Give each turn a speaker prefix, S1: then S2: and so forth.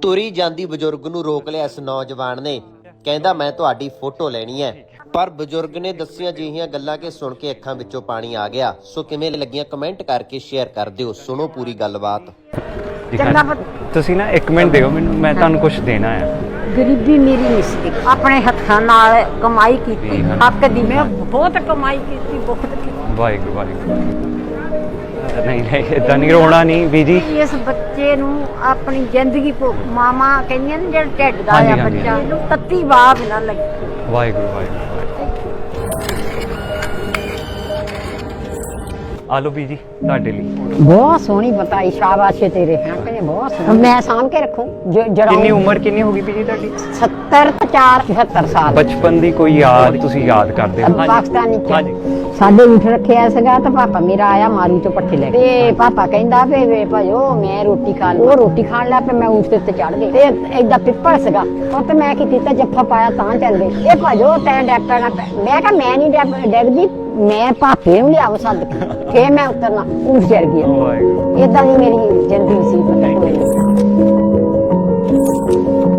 S1: ਤੁਰੀ ਜਾਂਦੀ ਬਜ਼ੁਰਗ ਨੂੰ ਰੋਕ ਲਿਆ ਇਸ ਨੌਜਵਾਨ ਨੇ। ਕਹਿੰਦਾ ਮੈਂ ਤੁਹਾਡੀ ਫੋਟੋ ਲੈਣੀ ਹੈ। ਪਰ ਬਜ਼ੁਰਗ ਨੇ ਦੱਸੀਆਂ ਜਿਹੀਆਂ ਗੱਲਾਂ ਕਿ ਸੁਣ ਕੇ ਅੱਖਾਂ ਵਿੱਚੋਂ ਪਾਣੀ ਆ ਗਿਆ। ਸੋ ਕਿਵੇਂ ਲੱਗੀਆਂ ਕਮੈਂਟ ਕਰਕੇ ਸ਼ੇਅਰ ਕਰ ਦਿਓ। ਸੁਣੋ ਪੂਰੀ ਗੱਲਬਾਤ।
S2: ਤੁਸੀਂ ਨਾ 1 ਮਿੰਟ ਦਿਓ ਮੈਨੂੰ, ਮੈਂ ਤੁਹਾਨੂੰ ਕੁਝ ਦੇਣਾ ਆ।
S3: ਗਰੀਬੀ ਮੇਰੀ ਨਹੀਂ ਸੀ, ਆਪਣੇ ਹੱਥਾਂ ਨਾਲ ਕਮਾਈ ਕੀਤੀ, ਹੱਕ ਦੀ ਮੈਂ ਬਹੁਤ ਕਮਾਈ ਕੀਤੀ, ਬਹੁਤ ਕੀਤੀ।
S2: ਵਾਹਿਗੁਰੂ ਵਾਹਿਗੁਰੂ। ਨਹੀਂ ਨਹੀਂ ਇਦਾਂ ਨਹੀਂ, ਰੋਣਾ ਨਹੀਂ ਬੀਜੀ।
S3: ਇਸ ਬੱਚੇ ਨੂੰ ਆਪਣੀ ਜ਼ਿੰਦਗੀ ਮਾਮਾ ਕਹਿੰਦੀਆਂ ਨੇ ਜਿਹੜਾ ਢਿੱਡ ਦਾ
S2: ਹਾਂਜੀ,
S3: ਆ
S2: ਹਾਂਜੀ,
S3: ਬੱਚਾ, ਇਹਨੂੰ ਤੱਤੀ ਬਾਤ ਨਾ ਲੱਗੀ।
S2: ਵਾਹਿਗੁਰੂ ਵਾਹਿਗੁਰੂ। ਆ ਲਓ ਬੀਜੀ ਤੁਹਾਡੇ ਲਈ।
S4: ਬਹੁਤ ਸੋਹਣੀ ਬਤਾਈ, ਸ਼ਾਬਾਸ਼ ਏ ਤੇਰੇ। ਹਾਂ ਕਹਿੰਦੇ ਬਹੁਤ ਸੋਹਣੀ, ਮੈਂ ਸਾਂਭ ਕੇ ਰੱਖੂ।
S2: ਕਿੰਨੀ ਉਮਰ ਕਿੰਨੀ ਹੋ ਗਈ ਬੀਜੀ ਤੁਹਾਡੀ?
S4: 70 4 76 ਸਾਲ।
S2: ਬਚਪਨ ਦੀ ਕੋਈ ਯਾਦ ਤੁਸੀਂ ਯਾਦ ਕਰਦੇ ਹੋ?
S4: ਪਾਕਿਸਤਾਨੀ
S2: ਹਾਂਜੀ।
S4: ਸਾਡੇ ਊਠ ਰੱਖਿਆ ਸੀਗਾ ਤਾਂ ਪਾਪਾ ਮੇਰਾ ਆਇਆ ਮਾਰੂ ਤੋਂ ਪੱਠੇ ਲੈ ਕੇ, ਤੇ ਪਾਪਾ ਕਹਿੰਦਾ ਵੇ ਭਾਜੋ ਮੈਂ ਰੋਟੀ ਖਾ ਲਾਂ। ਉਹ ਰੋਟੀ ਖਾਣ ਲੱਗ ਪਏ, ਮੈਂ ਊਠ ਦੇ ਉੱਤੇ ਚੜ ਗਈ ਤੇ ਏਦਾਂ ਪਿੱਪਲ ਸੀਗਾ ਉਹ ਤੇ ਮੈਂ ਕੀ ਕੀਤਾ, ਜੱਫਾ ਪਾਇਆ ਤਾਂ ਚੱਲ ਗਏ। ਇਹ ਭਾਜੋ ਤੈਂ ਡੈਕਟਰ ਨਾਲ ਮੈਂ ਕਿਹਾ ਮੈਂ ਨਹੀਂ ਡੈਗਦੀ, ਮੈਂ ਭਾਪੇ ਨੂੰ ਲਿਆਵ ਸੱਦ ਕੇ ਫੇਰ ਮੈਂ ਉਤਰਨਾ। ਊਠ ਚੜ ਗਿਆ।
S2: ਵਾਹਿਗੁਰੂ।
S4: ਏਦਾਂ ਦੀ ਮੇਰੀ ਜ਼ਿੰਦਗੀ ਸੀ।